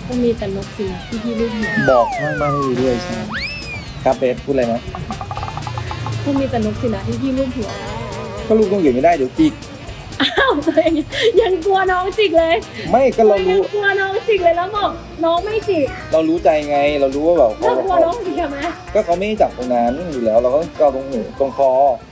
ก็มีแต่นกสินะที่พี่ลูกหัวบอกข้างบ้านให้ดีด้วยใช่ไหมครับเบสพูดอะไรนะก็มีแต่นกสินะที่พี่ลูกหัวก็ลูกต้องอยู่ไม่ได้เดี๋ยวจิกอ้าวตัวเองยังกลัวน้องจิกเลยไม่ก็เรารู้ยังกลัวน้องจิกเลยแล้วบอกน้องไม่จิกเรารู้ใจไงเรารู้ว่าแบบเรากลัวน้องจิกทำไมก็เขาไม่ได้จับตรงนั้นอยู่แล้วเราก็เกาตรงหูตรงคอ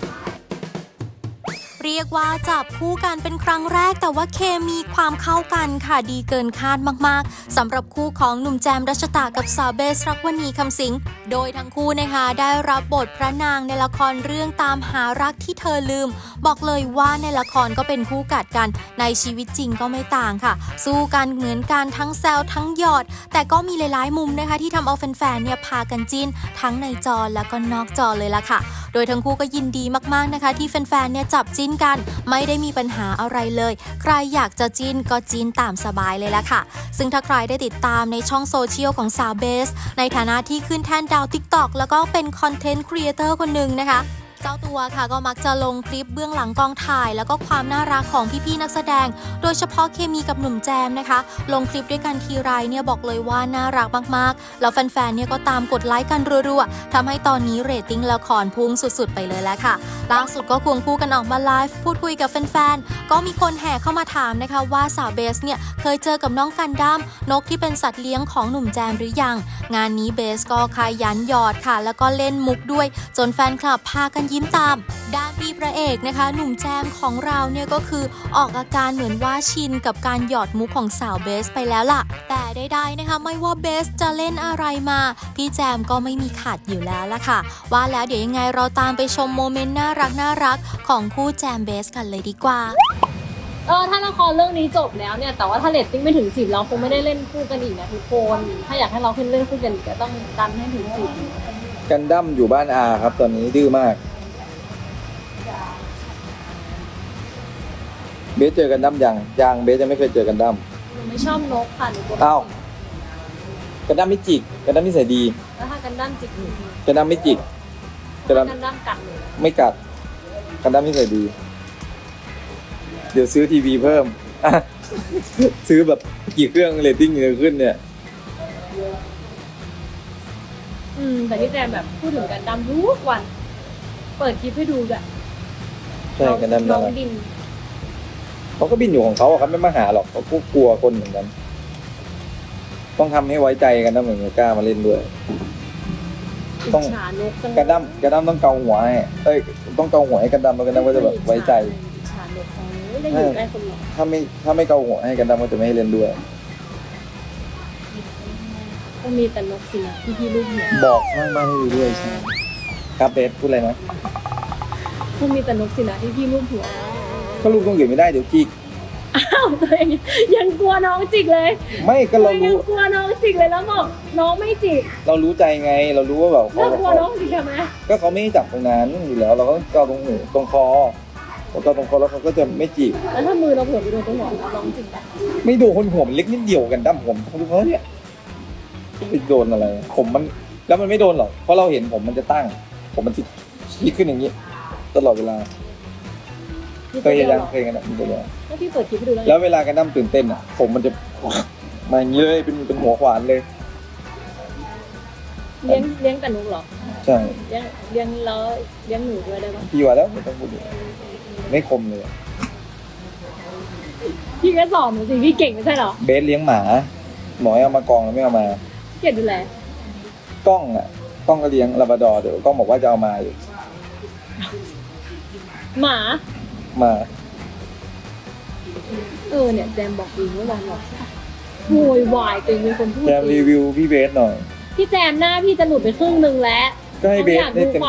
เรียกว่าจับคู่กันเป็นครั้งแรกแต่ว่าเคมีความเข้ากันค่ะดีเกินคาดมากๆสำหรับคู่ของหนุ่มแจมรัชตากับสาวเบสรักวณีคำสิงโดยทั้งคู่นะคะได้รับบทพระนางในละครเรื่องตามหารักที่เธอลืมบอกเลยว่าในละครก็เป็นคู่กัดกันในชีวิตจริงก็ไม่ต่างค่ะสู้กันเหมือนกันทั้งแซวทั้งหยอดแต่ก็มีหลายๆมุมนะคะที่ทำเอาแฟนๆเนี่ยพากันจิ้นทั้งในจอแล้วก็นอกจอเลยล่ะค่ะโดยทั้งคู่ก็ยินดีมากๆนะคะที่แฟนๆเนี่ยจับจิ้นกันไม่ได้มีปัญหาอะไรเลยใครอยากจะจิ้นก็จิ้นตามสบายเลยล่ะค่ะซึ่งถ้าใครได้ติดตามในช่องโซเชียลของสาวเบสในฐานะที่ขึ้นแท่นดาว TikTok แล้วก็เป็นคอนเทนต์ครีเอเตอร์คนหนึ่งนะคะเจ้าตัวค่ะก็มักจะลงคลิปเบื้องหลังกองถ่ายแล้วก็ความน่ารักของพี่ๆนักแสดงโดยเฉพาะเคมีกับหนุ่มแจมนะคะลงคลิปด้วยกันทีไรเนี่ยบอกเลยว่าน่ารักมากๆแล้วแฟนๆเนี่ยก็ตามกดไลค์กันรัวๆทำให้ตอนนี้เรตติ้งละครพุ่งสุดๆไปเลยแล้วค่ะล่าสุดก็ควงคู่กันออกมาไลฟ์พูดคุยกับแฟนๆก็มีคนแห่เข้ามาถามนะคะว่าสาวเบสเนี่ยเคยเจอกับน้องกันดั้มนกที่เป็นสัตว์เลี้ยงของหนุ่มแจมหรือยังงานนี้เบสก็ขยันหยอดค่ะแล้วก็เล่นมุกด้วยจนแฟนคลับพากันยิ้มตามด้านพี่พระเอกนะคะหนุ่มแจมของเราเนี่ยก็คือออกอาการเหมือนว่าชินกับการหยอดมุกของสาวเบสไปแล้วล่ะแต่ใดๆนะคะไม่ว่าเบสจะเล่นอะไรมาพี่แจมก็ไม่มีขาดอยู่แล้วล่ะค่ะว่าแล้วเดี๋ยวยังไงเราตามไปชมโมเมนต์น่ารักของคู่แจมเบสกันเลยดีกว่าถ้าละครเรื่องนี้จบแล้วเนี่ยแต่ว่าถ้าเรตติ้งไม่ถึง10เราคงไม่ได้เล่นคู่กันอีกนะทุกคนถ้าอยากให้เราขึ้นเล่นคู่กันอีกก็ต้องดันให้ถึง10 กันดั้มอยู่บ้านอาครับตอนนี้ดื้อมากเบสเจอกันดั้มยังเบสยังไม่เคยเจอกันดั้มหนูไม่ชอบนกค่ะหนูกลัวอ้าวกันดั้มไม่จิกกันดั้มนิสัยดีแล้วถ้ากันด้านจิกหนูกันดั้มไม่จิกกันดั้มกันด้านกัดหนูไม่กัดกันดั้มนิสัยดี เดี๋ยวซื้อทีวีเพิ่ม ซื้อแบบกี่เครื่องเรตติ้งจะขึ้นเนี่ยแต่ที่แจมแบบพูดถึงกันดั้มทุกวัน เปิดคลิปให้ดูแบบใช่กันดั้มน้น่าองรักบินเขาก็บินอยู่ของเขาอะครับไม่มาหาหรอกเขาก็กลัวคนเหมือนกัน ต้องทำให้ไว้ใจกันนะเหมือนกล้ามาเล่นด้วย ต้องฉานกจังกันดั้มต้องเกาหัวให้ต้องเกาหัวให้กันดั้มแล้วกันดั้มก็จะแบบไว้ใจฉานกได้อยู่ใกล้คนหรอถ้าไม่เกาหัวให้กันดั้มก็จะไม่ให้เล่นด้วยก็มีแต่นกสินะที่พี่ลูกหัวบอกข้างบ้านให้ดีด้วยใช่ไหมครับเบสพูดอะไรนะก็มีแต่นกสินะที่พี่ลูกหัวก็ลูกต้องอยู่ไม่ได้เดี๋ยวจิกอ้าวตัวเองยังกลัวน้องจิกเลยไม่ก็เรายัรู้งกลัวน้องจิกเลยแล้วบอกน้องไม่จิกเรารู้ใจไงเรารู้ว่าแบบแล้วกลัวน้องจิกทำไมก็เขาไม่ได้จับตรงนั้นอยู่แล้วเราก็เกาตรงหูตรงคอพอเกาตรงคอแล้วเขาก็จะไม่จิกแล้วถ้ามือเราเผื่อไปโดนตรงหัวน้องจิกปะไม่โดนคนหัวมันเล็กนิดเดียวกันดั้มผมเขาดูเขาเนี่ยไปโดนอะไรผมมันแล้วมันไม่โดนหรอกเพราะเราเห็นผมมันจะตั้งผมมันชี้ขึ้นอย่างนี้ตลอดเวลาเคยยังเคยกันมันจะเลยถ้าพี่เปิดคลิปให้ดูแล้วแล้วเวลากันดั้มตื่นเต้นอ่ะผมมันจะมาอย่างนี้เลยเป็นหัวขวานเลยเลี้ยงแต่นกเหรอใช่เลี้ยงแล้วเลี้ยงหนูด้วยได้ปะพี่ว่าแล้วไม่ต้องพูดเลยไม่คมเลยพี่ก็สอนหนูสิพี่เก่งไม่ใช่เหรอเบสเลี้ยงหมาหมอให้เอามากองแล้วไม่เอามาเก่งดูแลกล้องก็เลี้ยงลาบราดอร์เดี๋ยวกล้องบอกว่าจะเอามาอยู่หมามาเนี่ยแจมบอกเองเมื่อวานบอกโวยวายตัวเองเป็นคนพูดแจมรีวิวพี่เบสหน่อยพี่แจมหน้าพี่จะหลุดไปครึ่งนึงแล้วก็ให้เบสอยากได้ดูเต็ม